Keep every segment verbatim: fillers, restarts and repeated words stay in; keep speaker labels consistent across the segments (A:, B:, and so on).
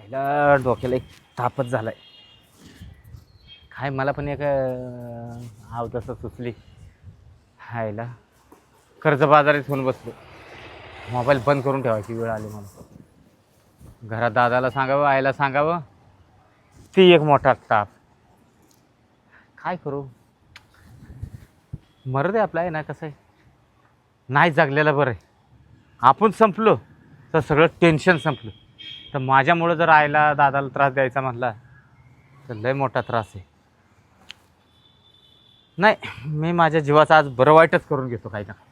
A: आईला डोक्याला एक तापच झालाय. काय मला पण एक हाव तसं सुचली. हायला कर्जबाजारीच होऊन बसलो. मोबाईल बंद करून ठेवायची वेळ आली मला. घरात दादाला सांगावं, आईला सांगावं, ती एक मोठा ताप. काय करू? मरू दे आपला आहे ना. कसं आहे, नाही जगलेलं बरं आहे. आपण संपलो तर सगळं टेन्शन संपलं. तर माझ्यामुळं जर आईला दादाला त्रास द्यायचा म्हटला तर लय मोठा त्रास आहे. नाही, मी माझ्या जीवाचं आज बरं वाईटच करून घेतो काही ना.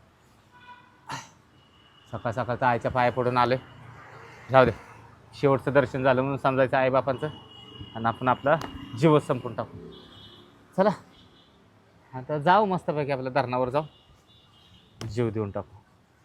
A: सकाळ सकाळचं आईच्या पाया पडून आले. जाऊ दे, शेवटचं दर्शन झालं म्हणून समजायचं आईबापांचं, आणि आपण आपला जीवच संपून टाकू. चला आता जाऊ मस्तपैकी आपल्या धरणावर जाऊ, जीव देऊन टाकू.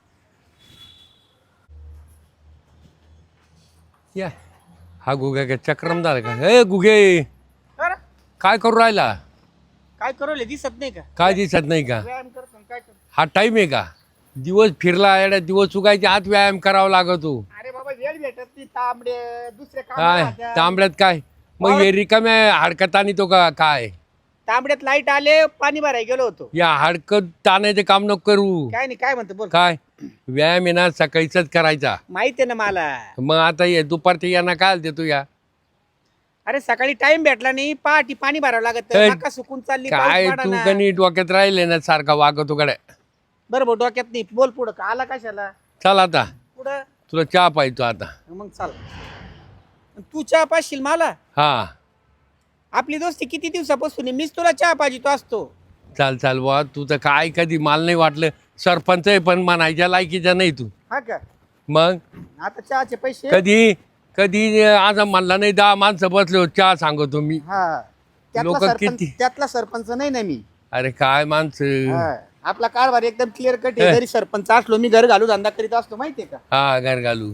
B: या हा गुगे काय चक्रम झाला का? हे गुगे काय करू राहिला?
C: काय करवले दिसत नाही का?
B: काय दिसत नाही का?
C: व्यायाम करतो ना, काय करतो?
B: हा टाईम आहे का? दिवस फिरला येड्या, दिवस चुकायच्या आत व्यायाम करावा लागतो.
C: अरे बाबा वेळ भेटत नाही, तांबडे दुसरे काम
B: काय
C: राहत्या.
B: तांबड्यात काय मग हे रिकाम्या हाडकत आणि तो का काय?
C: तांबड्यात लाईट आले, पाणी भरायला गेलो होतो.
B: या हाडकत ताणायचे काम नको करू.
C: काय नाही, काय म्हणतो बोल.
B: काय व्यायाम आहे ना सकाळीच करायचा.
C: माहिती आहे ना मला.
B: मग आता ये दुपारच्या यांना काय आलते तू या?
C: अरे सकाळी टाइम भेटला नाही, पहाटी पाणी भरावं लागत.
B: हे,
C: मका सुकून चालली,
B: काय
C: पाऊस
B: तू
C: पडाना.
B: कनी डोक्यात राहिले ना सारखा वागतो कडे.
C: बरं भाऊ डोक्यात नाही, बोल पुढं. का आला कशाला
B: चल आता
C: पुढं?
B: तुला चहा पाहिजे आता.
C: मग चाल. तू चहा पाशील मला?
B: हा
C: आपली दोस्ती किती दिवसापासून आहे, मीच तुला चहा पाहिजे तो असतो.
B: चाल चाल बुवा, तू तर काय कधी मला नाही वाटलं सरपंच आहे पण म्हणायच्या लायकीचा नाही तू.
C: हा का?
B: मग
C: आता चहाचे पैसे.
B: कधी कधी आज म्हणला नाही दहा माणसं बसले हो चहा सांगतो मी.
C: हा त्यातला
B: लोकं
C: सरपंच,
B: किती?
C: त्यातला सरपंच नाही ना मी.
B: अरे काय माणसं.
C: हा. आपला कारभार एकदम क्लिअर कट आहे.
B: हे.
C: जरी सरपंच असलो, मी घर घालू धंदा करीत असतो, माहितीये का?
B: हा घर घालू.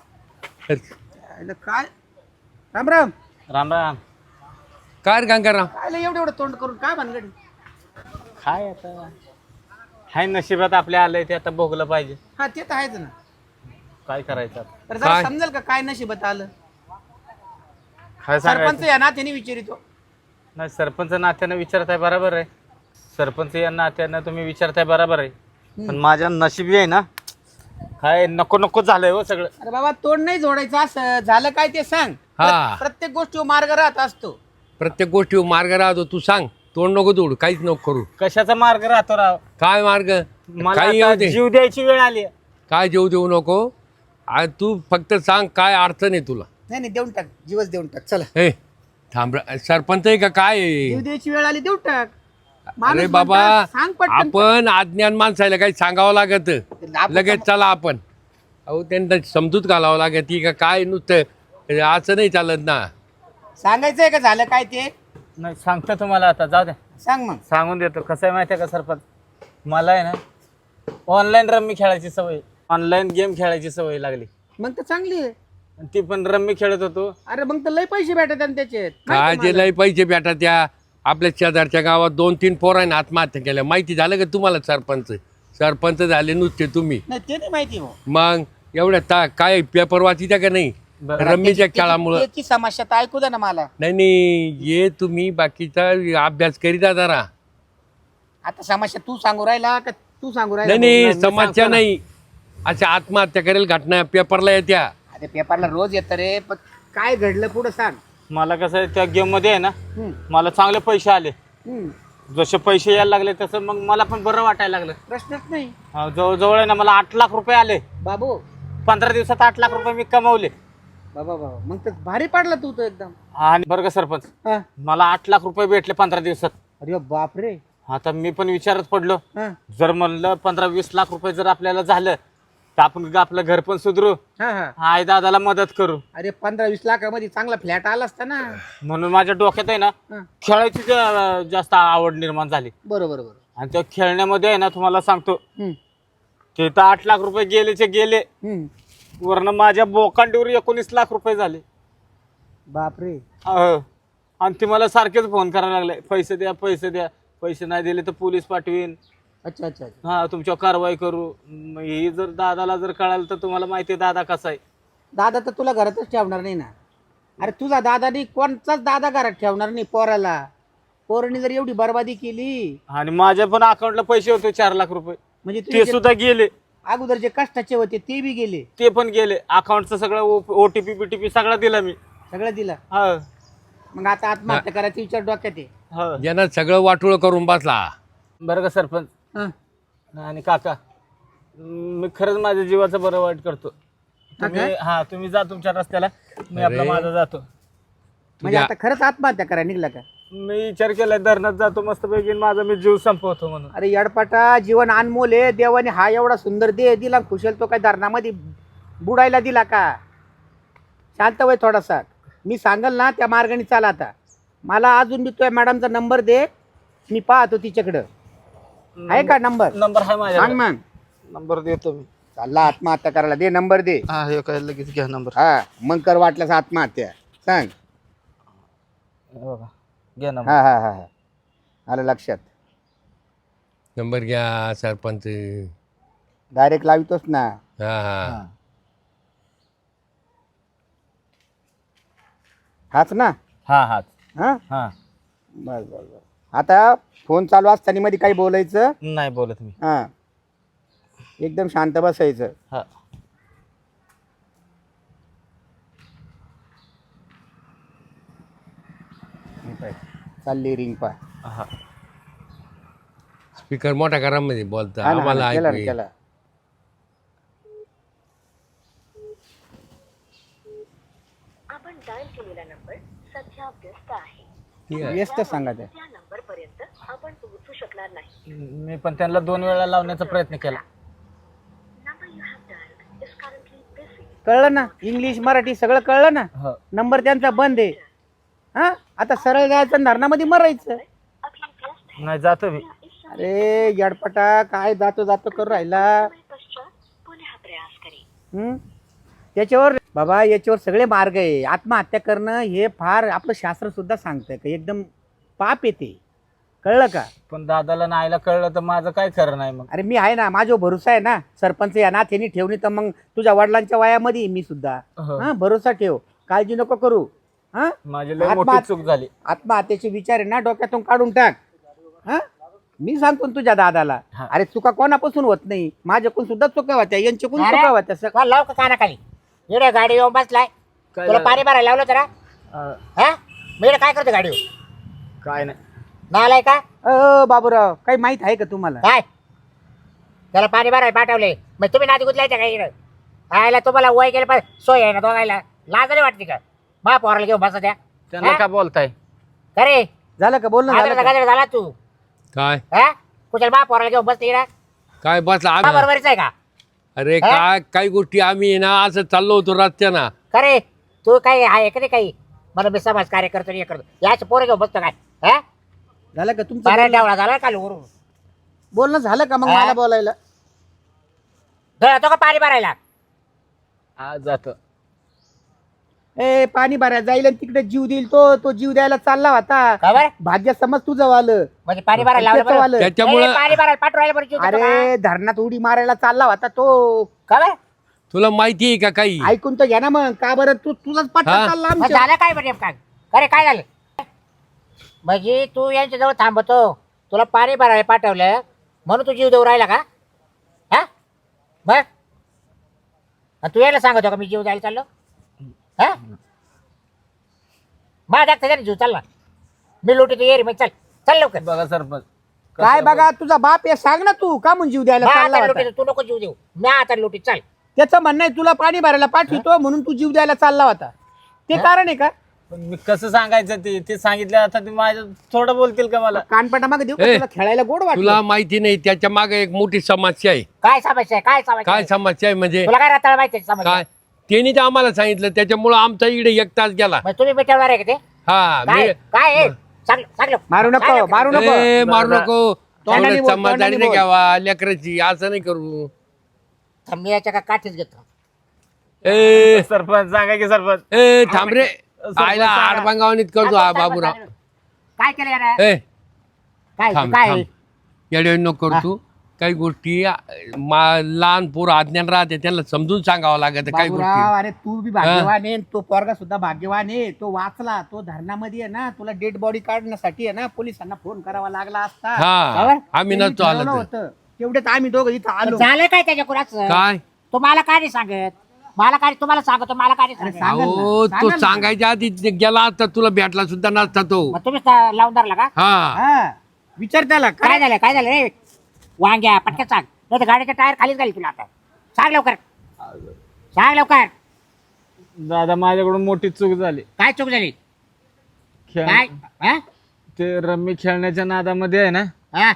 C: अरे काय राम राम.
A: राम राम.
B: काय रे गंगाराम?
C: काय लय एवढं एवढं तोंड करून काय भानगडी?
A: काय आता हाय नशिबात आपल्या आलंय ते आता भोगलं पाहिजे.
C: हा ते तर आहेच ना.
A: काय करायचं आता?
C: तर जरा
B: काय?
C: समजेल का काय नशिबात आलं?
A: काय
C: सरपंच
A: सांगायचं?
C: या नात्याने विचारितो.
A: नाही, सरपंच नात्यानं विचारताय बरोबर आहे. सरपंच या नात्यानं तुम्ही विचारताय बरोबर आहे. पण माझ्या नशिबी आहे ना, काय नको नको झालंय हो सगळं.
C: अरे बाबा तोंड नाही जोडायचं, असं झालं काय ते सांग.
B: हा.
C: प्र- प्रत्येक गोष्टीवर मार्ग राहत असतो.
B: प्रत्येक गोष्टीवर मार्ग राहतो. तू सांग, तोंड नको तोड, काहीच नको करू.
A: कशाचा मार्ग राहतो राव?
B: काय मार्ग?
A: मला
B: काही
A: आता
B: येऊ दे.
A: जीव द्यायची वेळ आली.
B: काय जेव देऊ नको. आ, तू फक्त सांग काय अडचण आहे तुला.
C: नाही नाही देऊन टाक, जीवच देऊन टाक. चला
B: हे थांब रे, सरपंच आहे का काय आहे?
C: जीव द्यायची वेळ आली, देऊन टाक. माणूस
B: अरे बाबा
C: म्हणतात, सांग पटकन.
B: आपण अज्ञान माणसाला काही सांगावं लागत.
C: आपण-
B: लगेच चला आपण. अहो त्यांना समजूत घालावं लागत ती का काय नुसतं असं नाही चालत ना.
C: सांगायचंय का झालं काय ते?
A: नाही सांगतो तुम्हाला आता, जाऊ द्या,
C: सांग मग.
A: सांगून देतो. कसं आहे माहिती आहे का सरपंच, मला आहे ना ऑनलाईन रम्मी खेळायची सवय, ऑनलाईन गेम खेळायची सवय लागली.
C: मग तर चांगली आहे.
A: आणि ती पण रम्मी खेळत होतो.
C: अरे मग तर लय पैसे भेटत आणि त्याचे.
B: काय जे लय पैसे भेटा त्या आपल्या शेजारच्या गावात दोन तीन पोरांनी आत्महत्या केल्या. माहिती झालं का तुम्हाला? सरपंच सरपंच झाले नुसते तुम्ही.
C: नाही ते नाही माहिती हो.
B: मग एवढ्या ता काय पेपर वाचित्या का नाही
A: बरं.
B: रम्मीच्या खेळामुळं?
C: त्याची समस्या तर ऐकू द्या ना मला.
B: नाही नाही ये तुम्ही बाकीचा अभ्यास करीता जरा.
C: आता समस्या तू सांगू राहिला का तू सांगू राहिला?
B: नाही नाही
A: मी
B: समस्या
A: सांगतो ना.
B: नाही, अशा आत्महत्या करेल घटना पेपरला येत्या.
C: अरे पेपरला रोज येतं रे, पण काय घडलं पुढं सांग.
A: मला कसं आहे, त्या गेम मध्ये आहे ना
C: हम्म,
A: मला चांगले पैसे आले.
C: हम्म.
A: जसे पैसे यायला लागले तसं मग मला पण बरं वाटायला लागलं.
C: प्रश्नच नाही
A: हा, जवळजवळ आहे ना मला आठ लाख रुपये आले.
C: बाबू.
A: पंधरा दिवसात आठ लाख रुपये मी कमवले.
C: बाबा बाबा मग तर भारी पडला तू तर एकदम.
A: आणि बरं का सरपंच,
C: हा.
A: मला आठ लाख रुपये भेटले पंधरा दिवसात.
C: अरे बाप रे.
A: आता मी पण विचारत पडलो,
C: हा
A: जर म्हणलं पंधरा वीस लाख रुपये जर आपल्याला झालं तर आपण आपलं घर पण सुधरू,
C: हा हा.
A: आई दादाला मदत करू.
C: अरे पंधरा वीस लाखामध्ये चांगला फ्लॅट आला असता ना.
A: म्हणून माझ्या डोक्यात आहे ना
C: हा.
A: खेळायची जा- जास्त आवड निर्माण झाली.
C: बरोबर बरोबर.
A: आणि त्या खेळण्यामध्ये आहे ना तुम्हाला सांगतो,
C: हम्म,
A: ते तर आठ लाख रुपये गेलेचे गेले,
C: हम्म.
A: वरनं माझ्या बोकांडीवर एकोणीस लाख रुपये झाले.
C: बाप रे.
A: अहो, आणि ते मला सारखेच फोन करायला लागले, पैसे द्या पैसे द्या, पैसे नाही दिले तर पोलीस पाठवीन,
C: अच्छा अच्छा अच्छा.
A: हा तुमच्यावर कारवाई करू. मग ही जर दादाला जर कळालं तर तुम्हाला माहिती आहे दादा कसा आहे.
C: दादा तर तुला घरातच ठेवणार नाही ना. अरे तुझा दादानी कोणताच दादा घरात ठेवणार नाही पोराला. पोरांनी जर एवढी बर्बादी केली
A: आणि माझ्या पण अकाउंटला पैसे होते चार लाख रुपये,
C: म्हणजे
A: ते
C: तुझे जे
A: सुद्धा गेले.
C: अगोदर जे कष्टाचे होते ते बी गेले,
A: ते पण गेले. अकाउंटचं सगळं ओटीपी बीटीपी सगळं दिला मी.
C: सगळं दिलं.
A: हा
C: मग आता आत्महत्या करायचा विचार डोक्यात आहे.
A: हा.
B: ज्यानं सगळं वाटोळ करून बसला.
A: बरं का सरपंच
C: हं.
A: आणि काका, मी खरंच माझ्या जीवाचं बरं वाईट करतो. तुम्ही हा तुम्ही जा तुमच्या रस्त्याला, मी आपला
B: अरे.
A: माझा जातो.
C: म्हणजे आता खरंच आत्महत्या करायला निघला का?
A: मी विचार केलाय धरणात जातो मस्तपैकी आणि माझा मी जीव संपवतो म्हणून.
C: अरे यडपाटा, जीवन अनमोल आहे. देवाने हा एवढा सुंदर देह दिला, खुशाल तो काय धरणामध्ये बुडायला दिला का? शांत वय थोडासा. मी सांगल ना त्या मार्गाने चाला. आता मला अजून बी तुझ्या मॅडमचा नंबर दे, मी पाहतो तिच्याकडं आहे का नंबर.
A: नंबर आहे माझ्या.
C: सांग मग.
A: नंबर देतो मी.
C: चालला आत्महत्या करायला, दे नंबर दे.
A: हा हे काय लगेच घ्या नंबर.
C: हा मग कर वाटल्यास आत्महत्या. सांग.
A: बघा घ्या नंबर.
C: हा हा हा हा आलं लक्षात.
B: नंबर घ्या सरपंच.
C: डायरेक्ट लावितोच ना.
B: हा हा
C: हाच ना.
A: हा हा
C: हा
A: हा.
C: बस बस बस. आता फोन चालू असताना मध्ये काही बोलायचं
A: नाही बोलत मी.
C: हा, एकदम शांत बसायचं.
A: हा
C: चालली रिंग पा.
A: हा.
B: स्पीकर मोठ्या घरामध्ये बोलता
C: हा ना, हा
B: आम्हाला
C: ना, केला
B: ऐकू
C: ना,
B: येईल.
C: केला.
D: आपण डायल केलेला नंबर सध्या व्यस्त आहे.
B: ठीक आहे.
C: व्यस्त सांगा त्या.
D: त्या नंबर पर्यंत आपण पोहोचू शकणार नाही.
A: मी पण त्यांना दोन वेळा लावण्याचा प्रयत्न केला.
D: Number you have dialled is currently busy.
C: कळलं ना, इंग्लिश मराठी सगळं कळलं ना.
A: हो.
C: नंबर त्यांचा बंद आहे. हा आता सरळ जायचं आणि धरणामध्ये मरायचं.
D: अभी व्यस्त
A: नाही जातो मी.
D: है. इस समय
C: अरे यडपटा, काय जातो जातो करू राहिला.
D: पश्चात पुनः प्रयास करें.
C: हम्म? त्याच्यावर बाबा याच्यावर सगळे मार्ग आहे. आत्महत्या करणं हे फार आपलं शास्त्र सुद्धा सांगतं का एकदम पाप येते. कळलं का?
A: पण दादाला नाहीला कळलं तर माझं काय खरं नाही मग.
C: अरे मी आहे ना, माझ्यावर भरोसा आहे ना. सरपंच या नात्याने ठेवणी तर मग तुझ्या वडिलांच्या वयामध्ये आहे मी सुद्धा.
A: हो.
C: हा भरोसा ठेव, काळजी नको करू. हा
A: माझी लय
C: आत्मा-
A: मोठी चूक झाली.
C: आत्महत्येचे विचार आहे ना डोक्यातून काढून टाक. हा मी सांगतो ना तुझ्या दादाला.
A: हा.
C: अरे चुका कोणापासून होत नाही, माझ्याकडून सुद्धा चुका होत्या, यांच्याकडून
E: अरे?
C: चुका होत्या. सग-
E: का लाव का कानाखाली इकडे गाडी येऊन बसलाय.
A: काय
E: तुला
A: झालं?
E: पाणी भरायला लावलं तर
A: अं,
E: हा मी इकडे काय करतो गाडीवर
A: काय नाही.
E: नालाय का
C: अ बाबूराव, काही माहित आहे का तुम्हाला?
E: काय त्याला पाणी भरायला पाठवले मग तुम्ही नादी गुतलायच्या काय इकडे आयला तुम्हाला वय गेलं पाहिजे सोय आहे ना दोघायला लाज नाही वाटते का मा पोराला घेऊन बसा द्या
A: त्यांना
E: हा?
A: काय बोलताय?
E: अरे
C: झालं का बोलणं झालं
E: गाजर
C: का?
E: गाजर झाला तू
B: काय
E: हा कुठे मा पोराला घेऊन बसते इकडे
B: काय बसला
E: हा
B: आम्ही-
E: बरोबरीच आहे का
B: अरे
E: हा?
B: काय काही गोष्टी आम्ही आहे ना असं चाललो होतो रस्त्याना.
E: खरे तू काही आहे का नाही काही मला मी समाज कार्य करतो हे करतो याच पोरं घेऊन बसतो काय हा
C: झालं का तुमचं
E: बारा
C: बोलणं?
E: डावळा झाला काल वरून
C: बोलणं झालं का मग
E: हा?
C: मला बोलायला?
E: धळतो का पाणी भरायला
A: आज जातो.
C: ए पाणी भरायला जाईल आणि तिकडे जीव देईल तो तो जीव द्यायला चालला होता.
E: का बरं
C: भाग्य समज तुझं वालं.
E: म्हणजे पाणी भरायला लावलं
C: त्याचं
E: बरं?
C: वालं.
B: त्याच्यामुळं
E: नाही, पाणी भरायला पाठवायला बरं जीव देतो का?
C: अरे धरणात उडी मारायला चालला होता तो.
E: का बरं?
B: तुला माहिती आहे का काही?
C: ऐकून तर घ्या ना मग. का बरं तू तुझाच पाठ
B: हा?
C: चालला
E: मग
C: आमच्या.
E: झालं काय बरं नेमकं? अरे काय झालं म्हणजे तू यांच्या जवळ थांबतो तुला पाणी भरायला पाठवलं म्हणून तू जीव देऊ राहिला का हा बर आणि तू यायला सांगतो का मी जीव द्यायला चाललो हा माझ्या त्याच्याने जीव चालला मी लोटी तू ये रे मग चल चल लवकर
A: बघा सरपंच
C: काय बघा तुझा बाप हे सांग ना तू का म्हणून जीव द्यायला
E: मग
C: चालला
E: आता
C: होता?
E: लोटी तू नको जीव देऊ मी आता लोटी चल
C: त्याचं म्हणणं आहे तुला पाणी भरायला पाठवतो म्हणून तू जीव द्यायला चालला होता. ते कारण आहे का?
A: पण मी कसं सांगायचं ते ते सांगितलं आता ते माझ्या थोडं बोलतील का मला?
C: कानपटा मागे देऊ का?
B: ए,
C: तुला खेळायला गोड वाटलं?
B: तुला माहिती नाही त्याच्या मागे एक मोठी समस्या आहे.
E: काय समस्या आहे काय समस्या
B: काय
E: आहे?
B: समस्या आहे म्हणजे
E: तुला काय रताळ माहिती आहे समस्या
B: काय त्यांनी तर आम्हाला सांगितलं त्याच्यामुळं आमचा इकडे एक तास गेला.
E: मग तुम्ही मिटवणार आहे का ते
B: हा
E: काय
B: मी
E: काय आहे? सांग सांग लवकर.
C: मारू
E: सांग
C: नको
E: लवकर.
C: मारू नको.
B: ए, मारू नको
C: तोंडाने
B: थोडं
C: बोल,
B: समाधानी
C: तोंडाने
B: नाही
C: बोल.
B: घ्यावा लेकराची असं नाही करू.
E: थांब, मी याच्या का काठीच घेतो
B: ए
A: सरपंच सांगा की सरपंच.
B: ए थांब रे
A: सरपंच
B: आयला
A: सांगा.
B: आडबांगावणीत करतो हा बाबूराव.
E: काय केलं यार
B: ए
E: काय
B: थांब
E: काय
B: थांब येडे नको करू तू. काही गोष्टी मा- लहान पोर अज्ञान राहते त्यांना समजून सांगावं लागत काही
C: बाबूराव,
B: गोष्टी.
C: अरे तू बी भाग्यवान आहे, तो पोरगा सुद्धा भाग्यवान आहे. तो वाचला, तो धरणामध्ये आहे ना, तुला डेड बॉडी काढण्यासाठी आहे ना पोलिसांना फोन करावा लागला असता.
B: हा
E: बरोबर?
B: आम्ही
C: त्यांनी
B: नसतो आलो
C: ठरवलं
B: तर.
C: होतं. तेवढ्यात आम्ही दोघं इथं आलो.
E: झालं काय त्याच्या कुणाचं
B: काय
E: तुम्हाला काय नाही सांगत मला काय तुम्हाला सांगतो मला काय नाही
C: अरे
E: सांगत
C: सांगेल ना,
B: अहो तो
C: सांगेल ना.
B: सांगायच्या आधी ते गेला असता तुला भेटला सुद्धा नसता तो.
E: मग तुम्ही सा- लावून धरला का
B: हा
C: हा, विचार त्याला
E: काय
C: काय
E: झालं काय झालं रे वांग्या पटकन सांग नाही तर गाडीच्या टायर खालीच घाली तुला आता सांग लवकर सांग लवकर
A: दादा माझ्याकडून मोठी चूक झाली.
E: काय चूक झाली
A: खेळ
E: काय हा?
A: ते रम्मी खेळण्याच्या नादामध्ये आहे ना
E: हा?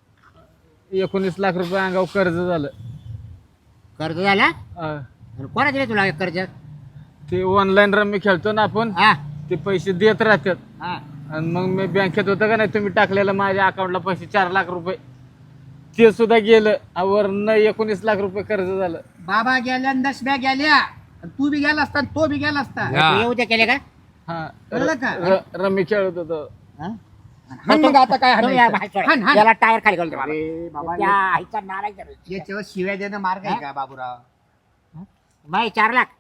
A: एकोणीस लाख रुपये अंगावर कर्ज झालं.
E: कर्ज झाला
A: अं,
E: कोणा दिले तुला कर्ज
A: ते ऑनलाईन रम्मी खेळतो ना आपण,
E: हा
A: ते पैसे देत राहतात.
E: हा
A: आणि मग मी बँकेत होतं का नाही, तुम्ही टाकलेलं माझ्या अकाउंटला पैसे चार लाख रुपये ते सुद्धा गेलं. वरनं एकोणीस लाख रुपये कर्ज झालं.
C: बाबा गेल्या आणि दशम्या गेल्या आणि तू बी गेला असता आणि तो बी गेला असता.
B: हा.
E: तू येऊ दे केले का
A: हा
C: कळलं का?
A: र- रम्मी खेळत होतो.
E: हा?
C: हाण मग आता काय
E: तुम्ही या
C: हाणायचं?
E: बाहेर सोडा.
C: हाण, हाण.
E: याला टायर खाली घालतो मला.
C: अरे बाबा,
E: त्या आईचा नालायक जरा.
C: याच्यावर शिव्या देणं मार्ग आहे का बाबूराव?
E: माई चार लाख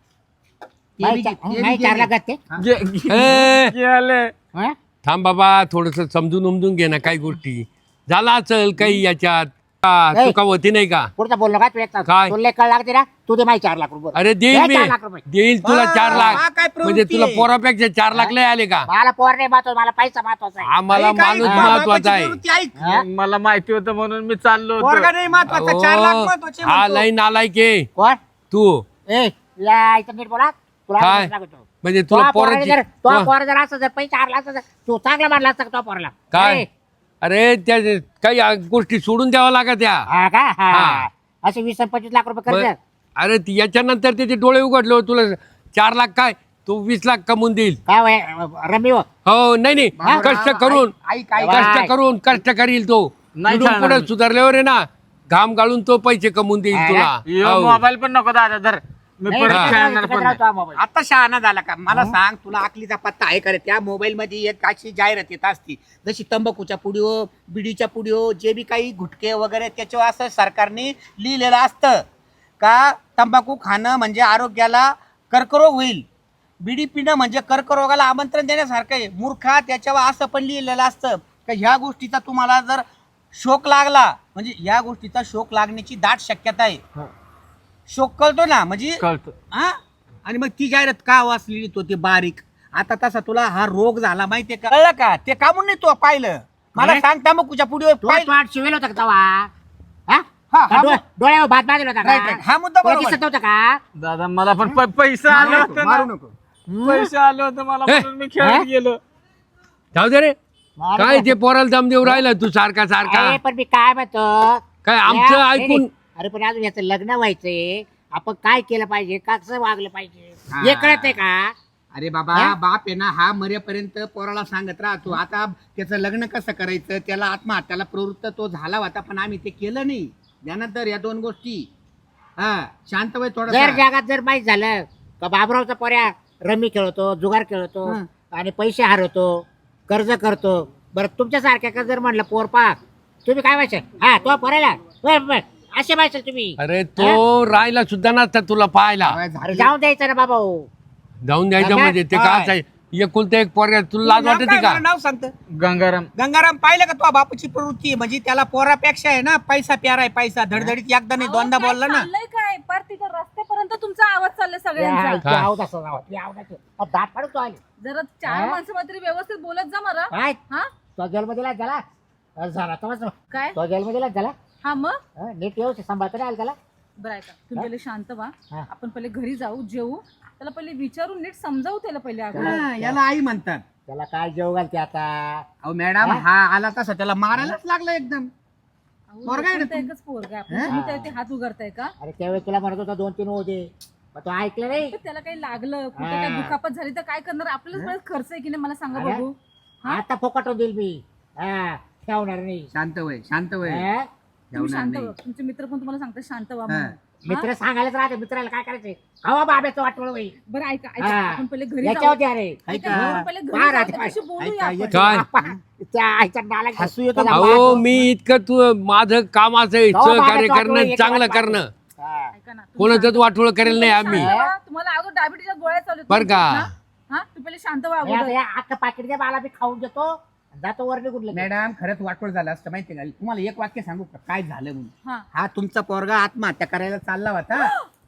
C: ते
E: माई
C: बी-
E: चा-
C: ते बी
E: माई चार
C: गेले.
E: लाख घातते
A: गे- गे-
B: ए,
A: गेले.
E: हा?
B: थांब बाबा थोडस समजून उमजून घे ना काही गोष्टी. झाला असेल काही याच्यात का
E: ए.
B: चुका होती नाही का.
E: पुढचा बोललो का तू एक
B: काय?
E: तुला कळ लागते ना तू दे माई चार लाख रुपये
B: अरे देईल
E: दे
B: मी
E: चार लाख रुपये
B: देईल तुला
C: बा,
B: चार
C: हा
B: लाख
C: काय प्रवृत्ती
B: म्हणजे तुला
C: आहे?
B: पोरापेक्षा चार लाख लय आले का.
E: मला पोर नाही महत्वाचं मला पैसा महत्वाचा आहे
B: आम्हाला
C: ऐक, ऐक,
B: माणूस
C: बाबाची
B: महत्वाचा आहे.
C: प्रवृत्ती ऐक.
E: हा?
A: मला माहिती होतं म्हणून मी चाललो
C: पोरगा
A: होतो.
C: नाही महत्वाचा, चार लाख महत्वाचे
B: हा
C: म्हणतो.
B: लई नालायक आहे
E: कोण
B: तू.
E: ए या इथं नीट बोला तुला
B: काय?
E: आवाज लागतो.
B: म्हणजे
E: तुला
B: तुला
E: पोराने
B: पोराची
E: जर तो
B: हा.
E: पोर जर असं जर पैसे आरला असं जर तू चांगला मारला असता का तो पोराला
B: काय
E: ए,
B: अरे त्या काही गोष्टी सोडून द्यावा लागत त्या.
E: हा का हा
B: हा.
E: असे वीस आणि पंचवीस लाख रुपये
B: ब-
E: कर्ज
B: अरे ती याच्यानंतर त्याचे डोळे उघडले हो, तुला चार लाख काय तो वीस लाख कमवून देईल.
E: काय वय रमी हो
B: हो नाही नाही
C: बाबूराव,
B: कष्ट करून
C: ऐक, ऐक, ऐक.
E: बाय.
B: कष्ट करून कष्ट करील तो.
A: नाही
B: इथून
A: चालणार
B: पुढे
A: मी.
B: सुधारल्यावर आहे ना घाम गाळून तो पैसे कमवून देईल
E: हा
B: तुला.
A: यो,
B: हो.
A: मोबाईल पण नको दादा धर. मी
E: नाही,
A: परत
E: नाही,
A: खेळणार
E: नाही,
A: पण नाही.
E: राहतो हा मोबाईल.
C: आता शहाणा झाला का मला सांग, तुला आकलीचा पत्ता आहे का रे? त्या मोबाईल मध्ये एक अशी जाहिरात येत असती जशी तंबाखूच्या पुडिओ बिडीच्या पुडिओ जे बी काही गुटके वगैरे त्याच्यावर असं सरकारने लिहिलेलं असतं का तंबाखू खाणं म्हणजे आरोग्याला कर्करोग होईल, बिडी पिणं म्हणजे कर्करोगाला आमंत्रण देण्यासारखं आहे. मूर्खा त्याच्यावर असं पण लिहिलेलं असतं का ह्या गोष्टीचा तुम्हाला जर शोक लागला म्हणजे ह्या गोष्टीचा शोक लागण्याची दाट शक्यता आहे. शोक कळतो ना म्हणजे
A: कळतं.
C: हा आणि मग ती जाहिरात का वाचलेली तो ते बारीक. आता तसा तुला हा रोग झाला माहितीये का? कळलं का ते का म्हणून नाही तू पाहिलं मला
E: काय?
C: सांग तंबाखूच्या पुढे
E: तू तोंड शिवेल होता का तवा हा?
C: हा,
E: का
C: हा,
E: डोळ्या- डोळ्यावर भात बांधला होता
C: Right, right. हा मुद्दा
E: तुला
C: बरोबर.
E: दिसत नव्हतं का
A: दादा मला पण प- पैसे आले
C: मारू
A: होते
C: नको,
A: ना.
C: मारू नको.
A: पैसे आले होते मला
B: हे?
A: म्हणून मी खेळत गेलो.
B: जाऊ दे रे
E: मारू
B: काय
E: नको.
B: ते पोराला दम देऊ राहिला तू सारखा सारखा.
E: अरे पण मी काय म्हणतो
B: काय आमचं
E: या- नाही,
B: ऐकून
E: नाही. अरे पण अजून याचं लग्न व्हायचंय आपण काय केलं पाहिजे कसं वागलं पाहिजे
C: हा.
E: हे कळत आहे का
C: अरे बाबा
E: हा?
C: बाप आहे ना हा मरेपर्यंत पोराला सांगत राहतो. आता त्याचं लग्न कसं करायचं त्याला आत्महत्याला प्रवृत्त तो झाला होता पण आम्ही ते केलं नाही. ध्यानात धर या दोन गोष्टी. हा शांत वय
E: जर
C: थोडं.
E: जगात जर माहीत झालं का बाबरावचा पोऱ्या रमी खेळतो जुगार खेळतो
C: हं.
E: आणि पैसे हरवतो कर्ज करतो बरं तुमच्यासारख्या का जर म्हणलं पोर पा तुम्ही काय व्हायचं हा तो पोरायला बरं, बरं. असे व्हायचं तुम्ही
B: अरे तो राहिला सुद्धा नसता तुला पाहायला.
E: अरे जाऊन द्यायचं ना बाबा हो.
B: जाऊन द्यायचं
E: अबे,
B: म्हणजे ते
C: काय?
B: काय एकुलता एक पोरगा तुला लाज
C: नाव
B: वाटते
C: काय
B: का.
C: बरं नाव सांगतं?
A: गंगाराम.
C: गंगाराम पाहिलं का तो बापूची प्रवृत्ती म्हणजे त्याला पोरापेक्षा आहे ना पैसा प्यारा आहे पैसा. धडधडीत एकदा नाही दोनदा
F: अहो, काय
C: बोलला ना.
F: चाललंय काय पार तिथं रस्त्यापर्यंत तुमचा आवाज चाललाय
E: या,
F: सगळ्यांचा
E: इथे आवाज असा जावा, इथे आवाज असा. अहो, दात पाडून तो आले
F: जरा चार
E: हा?
F: माणसं मात्र व्यवस्थित बोलत जा मला
E: काय
F: हा
E: तो जन्म दिला झाला अरे झाला तो
F: काय
E: तो जन्म दिला झाला
F: हा मग
E: हं, नीट व्यवस्थित सांभाळता नाही आलं त्याला
F: बरं ऐका तुम्ही पहिले शांत व्हा
E: हा.
F: आपण पहिले घरी जाऊ जेवू त्याला पहिले विचारून नीट समजावू त्याला पहिले अगोदर
C: हा, याला आई म्हणतात.
E: त्याला काय जेव घालते आता
C: अहो मॅडम
E: हा?
C: हा आला तसा त्याला मारायलाच लागला एकदम.
F: अहो,
C: पोरगा आहे ना
F: एकुलता
C: तू?
F: एकच पोरगा आहे.
C: हा?
F: आपण तुम्ही त्याला ते हात उगारताय का
E: अरे त्यावेळेस तुला म्हणत होता दोन तीन होते पण तो ऐकलं नाही
F: तर त्याला काही लागलं कुठे
E: हा.
F: काय दुखापत झाली तर काय करणार आपल्यालाच बरंच खर्च आहे की नाही मला सांगा
E: अरे?
F: बघू हा?
E: आता फोकाटून देईल मी हा ठेवणार नाही
C: शांत वय शांत वय
E: हं?
F: तुम्ही
C: ठेवणार
F: शांत
C: नाही.
F: व्हा तुमचे मित्र पण तुम्हाला सांगतात शांत व्हा
C: हा.
F: म्हणून
E: मित्र सांगायलाच राहते मित्राला काय करायचंय हवा बाब्याचं वाटवळ बाई
F: बरं ऐका ऐका
E: हा.
F: आपण पहिले घरी
E: याच्या
F: जाऊ
E: होती अरे
F: ऐका,
C: ऐका.
F: आपण पहिले घरी
E: बाहेर
F: जाऊ,
E: आधी
F: त्याच्याशी बोलूया
C: ऐका,
F: आपण.
C: एक-
B: काय
E: आपण त्या आईच्या नाला
C: हसू येतं का?
B: अहो मी इतकं तू माझं काम असं आहे,
E: जाऊ
B: सहकार्य
E: बाहेर जाऊ,
B: करणं
E: एक
B: चांगलं
E: वाट
B: करणं
E: हा.
F: ऐका ना, तुम्ही
B: कोणाचंच
F: शांत-
B: वाटोळ करेल नाही आम्ही
F: शांत व्हा. तुम्हाला अगोदर डायबिटीच्या गोळ्या चालू आहेत
B: बरं का?
F: ना? हा तू पहिले शांत व्हा
E: मी आता
F: अगोदर.
E: या अख्खं पाकिट द्या मला मी खाऊन घेतो जातो वर निघून लगेच.
C: मॅडम खरंच वाटवळ झालं असतं माहिती का तुम्हाला एक वाक्य सांगू का काय झालं म्हणून
F: हा
C: हा तुमचा पोरगा आत्महत्या करायला चालला होता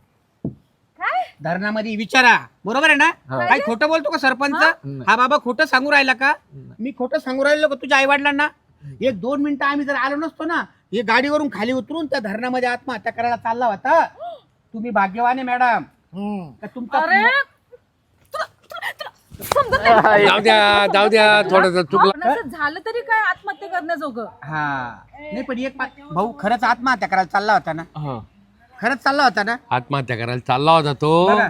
F: काय
C: धरणामध्ये विचारा बरोबर आहे ना
A: हा.
C: काय खोटं बोलतो का सरपंच
A: नाही.
C: हा बाबा खोटं सांगू राहिला का मी खोटं सांगू राहिलो का तुझ्या आई वडिलांना एक दोन मिनिटं आम्ही जर आलो नसतो ना हे गाडीवरून खाली उतरून त्या धरणामध्ये आत्महत्या करायला चालला होता तुम्ही भाग्यवान आहे मॅडम
E: हम्म.
C: का तुमचा
F: अरे तुला- तुला- तुला समजत नाही.
B: जाऊ द्या जाऊ द्या थोडस चुकलं
F: पण असं झालं तरी काय आत्महत्या करण्याजोगं
C: हा नाही पण एक बात- भाऊ खरंच आत्महत्या करायला चालला होता ना
A: हो.
C: खरंच चालला होता ना
B: आत्महत्या करायला चालला होता तो
C: बघा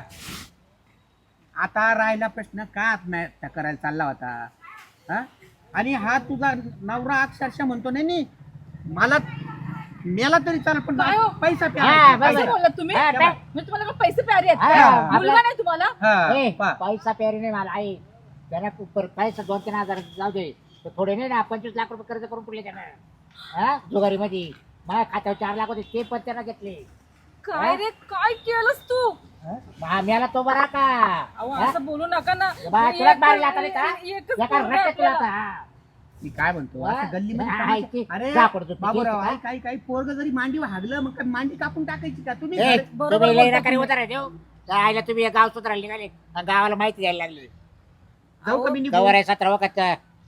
C: आता राहिला प्रश्न का आत्महत्या करायला चालला होता हा आणि हा तुझा नवरा अक्षरशः म्हणतो नाही नाही मला मेला तरी चालेल पण
F: काय हो?
C: पैसा
E: हा,
C: प्यायला
E: बरोबर.
F: असं
C: पाहिजे.
F: बोललात तुम्ही
E: हा, काय?
F: मी तुम्हाला काय पैसे प्यारे आहेत
E: हा,
F: का?
E: आपलं-
F: मुलगा नाही तुम्हाला
C: हा,
E: ए,
C: पहा.
E: पैसा प्यारी नाही मला आई त्याला पर पैसा दोन तीन हजार जाऊ दे तर थोडे नाही ना पंचवीस लाख रुपये कर्ज करून पुढले त्यानं हा जुगारी मध्ये माझ्या खात्यावर चार लाख होते ते पण त्यानं घेतले
F: काय रे काय केलंस तू
E: आम्हाला तो बरा का
F: अहो
E: हा?
F: असं बोलू नका ना
E: बा,
F: एक-
E: तुलाच मारला आता नाही का
F: एकच
E: एका
F: पोरगा
E: रट्ट्यात तुला
F: आपल्याला.
E: आता, हा.
C: मी काय म्हणतो
E: हा?
C: असं गल्लीमध्ये
E: हा,
C: तमाशा-
E: ऐक-
C: अरे
E: जा पडतो, तू
C: बाबूराव
E: घे,
C: आई, काही काही पोरग जरी मांडी हागलं मग काय मांडी कापून टाकायची का तुम्ही
E: ए,
C: घर-
F: बरोबर
E: तुम्ही
F: बोलता
E: लई नकारी
F: तुम्ही.
E: उतारा देऊ त्या आईला तुम्ही एक गाव सुधारायला निघाले आणि गावाला माहिती द्यायला लागली
C: जाऊ का मी निघून?
E: कवर आहे सतरा वखत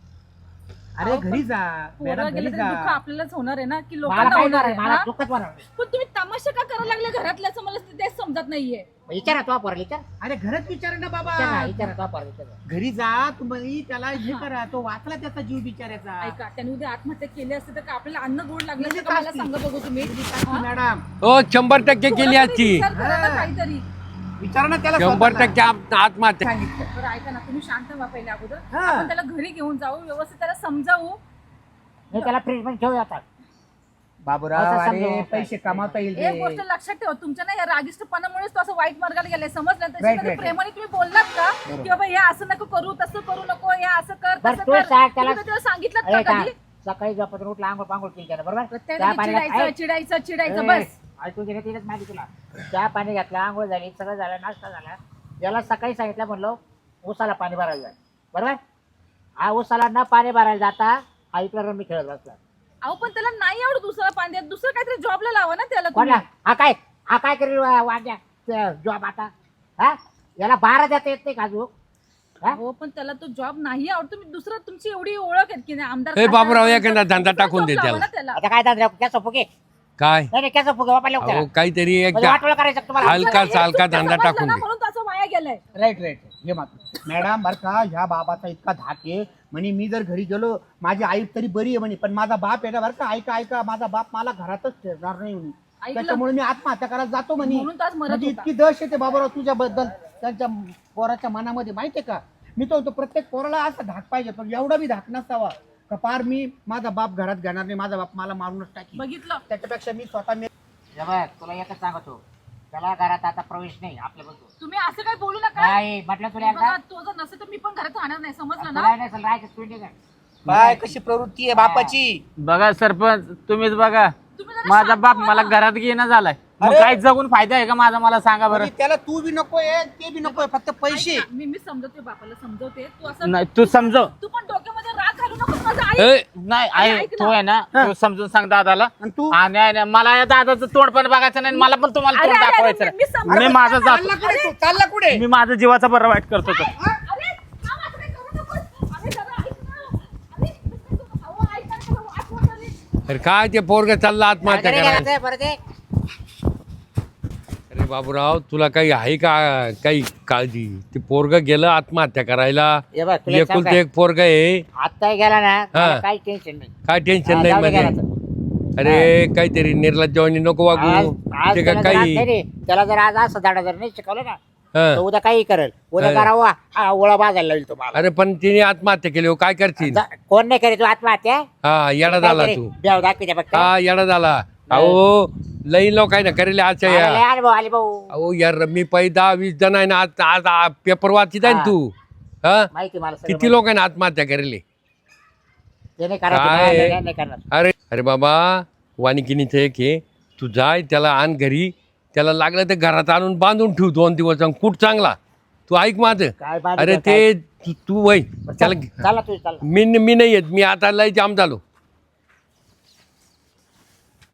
C: अरे
F: अहो,
C: घरी जा
F: पोरं
C: मॅडम
F: गेलं
C: घरी
F: तरी दुःख
C: जा
F: आपल्यालाच होणार आहे ना की
E: मला
F: लोकांना
E: काय
F: होणार
E: होणार
F: आहे
E: मला
F: हा?
E: दुःखच होणार
F: पण तुम्ही तमाशा का करायला लागले घरातल्याचं मला तेच समजत नाहीये
E: विचारा तो पोरला विचार
C: अरे घरात विचार ना बाबा
E: विचार ना विचारा तो पोरला विचार
C: घरी जा तुम्ही त्याला हे करा तो वाचला त्याचा जीव बिचारायचा
F: ऐका त्याने उद्या आत्महत्या केली असते तर का आपल्याला अन्न गोड लागलं असतं
C: गेली
F: का मला
C: असती.
F: सांगा बघू तुम्ही हा?
C: मॅडम
B: हो शंभर टक्के केली
F: थोडा तरी
B: आजची
F: विचार करा ना
C: हा.
F: काहीतरी
C: विचार ना त्याला
B: शंभर
C: स्वतःला.
B: टक्के आत- आत्महत्या
C: सांगितलं
F: बरं ऐका ना तुम्ही शांत व्हा पहिले अगोदर
C: हा.
F: आपण त्याला घरी घेऊन जाऊ व्यवस्थित त्याला समजावू
E: मी त्याला फ्रीज मध्ये ठेवू आता
C: बाबूराव
E: असं
C: अरे
E: समजावं.
C: पैसे कमावता येईल
F: एक
C: रे.
F: गोष्ट लक्षात ठेवा तुमच्या ना या रागिष्टपणामुळेच तो असं वाईट मार्गाला गेलाय समजलं
C: Right,
F: त्याच्यामध्ये
C: right.
F: प्रेमाने तुम्ही बोललात का की बाबा हे असं नको करू तसं करू नको हे असं कर
E: बरं,
F: तसं
E: तू
F: कर
E: सांग त्याला-
F: तुम्ही त्याला सांगितलं
E: अरे
F: का
E: का
F: कधी
E: सकाळी झोपत उठला आंघोळ पांघोळ केली त्यानं बरोबर
F: प्रत्येक
E: चहा
F: वेळी
E: पाणी
F: चिडायचं
E: घात-
F: चिडायचं चिडायचं
E: ए,
F: बस
E: ऐकून घे तिनेच माहिती तुला चहा पाणी घातलं आंघोळ झाली सगळं झालं नाश्ता झाला याला सकाळी सांगितलं म्हणलो उसाला पाणी भरायला जाय बरोबर हा उसाला न पाणी भरायला जाता हा इकडे रमी खेळत बसला
F: अहो पण त्याला नाही आवडत दुसरा पाणी द्या दुसरं काहीतरी जॉबला लावा ना त्याला
E: कोणला
F: तुम्ही.
E: हा काय हा काय करेल वा- वाद्या जॉब आता हा याला बारा देता येत नाही का अजून हा?
F: हो पण त्याला तो जॉब नाही आवडत तुम्ही दुसरं तुमची एवढी ओळख आहे की नाही आमदार
B: ए, बाबूराव,
F: खासदार,
B: एखादा धंदा
F: दुसरा
B: टाकून
F: job
B: दे
F: लावा
B: त्याला.
F: ना त्याला
E: आता काय दादा कॅसो फुगे
B: काय
E: नाही कॅसो फुगे वापरले
B: अहो काहीतरी एक
E: म्हणजे वाटोळ करायचं का तुम्हाला
B: हलका
F: त्याला एक
B: सालका
F: चुकीचं
B: धंदा
F: समजलं
B: टाकून
F: ना
B: दे
F: म्हणून त्याचा वाया गेलाय
C: राईट राईट हे मात्र मॅडम बरं का ह्या बाबाचा इतका धाक आहे म्हणे मी जर घरी गेलो माझी आई तरी बरी आहे म्हणे पण माझा बाप आहे ना बरं का ऐका ऐका माझा बाप मला घरातच ठेवणार नाही म्हणे
F: ऐकलं?
C: त्याच्यामुळे मी आत्महत्या करायला जातो म्हणे
F: म्हणून तो आज मरत
C: म्हणजे
F: होता.
C: इतकी दश येते बाबाराव तुझ्याबद्दल त्यांच्या पोराच्या मनामध्ये माहितीये का मी तो म्हणतो, प्रत्येक पोराला असा धाक पाहिजे पण एवढा बी धाक नसावा का पार मी माझा बाप घरात घेणार नाही माझा बाप मला मारूनच टाकी
F: बघितलं
C: त्याच्यापेक्षा मी स्वतः मी
E: हे बघ तुला एकच सांगतो त्याला घरात आता प्रवेश नाही आपल्या बघतो
F: तुम्ही असं काही बोलू नका
E: काय म्हटलं तुला एकदा
F: बघा, तो जर नसेल तर मी पण घरात राहणार नाही समजलं ना
E: तुला नाही असेल राहायचं स्पीड नाही
C: काय कशी प्रवृत्ती आहे बापाची
A: बघा सरपंच तुम्हीच बघा
F: तुम्ही जरा
A: माझा
F: शांत
A: बाप
F: व्हा
A: मला
F: ना.
A: घरात घेणं झालाय मग
C: अरे!
A: काय जगून फायदा आहे का माझा मला सांगा बरं
C: म्हणजे त्याला तू बी नकोय ते बी नकोय फक्त पैसे
F: ऐक ना, मी मी समजवते बापाला समजवते तू असं
A: नाही तू समजव
F: तू पण डोक्यामध्ये राग घालू नको माझं आई
B: ए,
A: नाही
F: अरे,
A: आहे
F: ऐक ना.
A: तो आहे ना तो समजून सांग दादाला
C: आणि तू
A: आणि आहे ना, मला या दादाचं तोंड पण बघायचं नाही मला पण तुम्हाला
F: अरे,
A: तोंड
F: अरे,
A: दाखवायचं
F: अरे, मी
A: नाही.
F: समजून
A: मी माझं
C: चालला
A: जातो
C: कुठे तू चालला कुठे
A: मी माझं जीवाचा बरं वाईट करतो तो
F: अरे थांब, असं काही करू नकोस. अरे जरा ऐक ना. अरे, कसं करू? अहो, ऐक ना, जरा आठवण आली.
B: अरे काय ते पोरग चालला आत्महत्या करायला
E: बरं ते
B: अरे बाबूराव तुला काही आहे का काही काळजी ते पोरग गेलं आत्महत्या करायला
E: हे बघ तुला एक सांगू
B: एकुलते एक पोरग आहे
E: का? आत्ता गेला ना
B: हा.
E: मला काही टेन्शन नाही
B: काय टेन्शन
E: हा,
B: नाही
E: जाऊ दे
B: म्हणजे
E: घरात.
B: अरे काहीतरी निर्लज्जवानी नको
E: आज
B: वागू
E: आज
B: ते
E: त्याला
B: का
E: जर आज
B: काही
E: नाही रे, त्याला जर आज असं धडा जर नाही शिकवलं ना तर
B: हं.
E: उद्या काही करेल उद्या
B: हा.
E: करावा हा, ओळा बाजायला लागेल तुम्हाला
B: अरे पण तिने आत्महत्या केली हो, काय करशील
E: जा- कोण नाही करे तू आत्महत्या
B: हा येडा झाला तू
E: देव दाखवी द्या फक्त
B: हा येडा झाला अहो लई लोक आहे ना करेले आजच्या
E: मला लय
B: या
E: अनुभव आले भाऊ
B: अहो यार मी पै दहा वीस जण आहे ना आज आज आ- पेपर वाचित आहे ना
E: हा.
B: तू हा
E: माहिती मला सगळं
B: किती
E: माहिती.
B: लोक आहे ना आत्महत्या करेले
E: ते नाही करणार,
B: काय?
E: ते नाही- नाही करणार.
B: अरे अरे बाबा वानिकिनीचं एक हे तू जाय त्याला आण घरी त्याला लागलं तर घरात आणून बांधून ठेव दोन दिवस आणि कुठ चांगला तू ऐक माझं
E: काय बांधू
B: अरे
E: काय?
B: ते तू- तू वय
E: बरं,
B: त्याला
E: चल- चला तू चला
B: मी मी नाही येत मी आता लय जाम झालो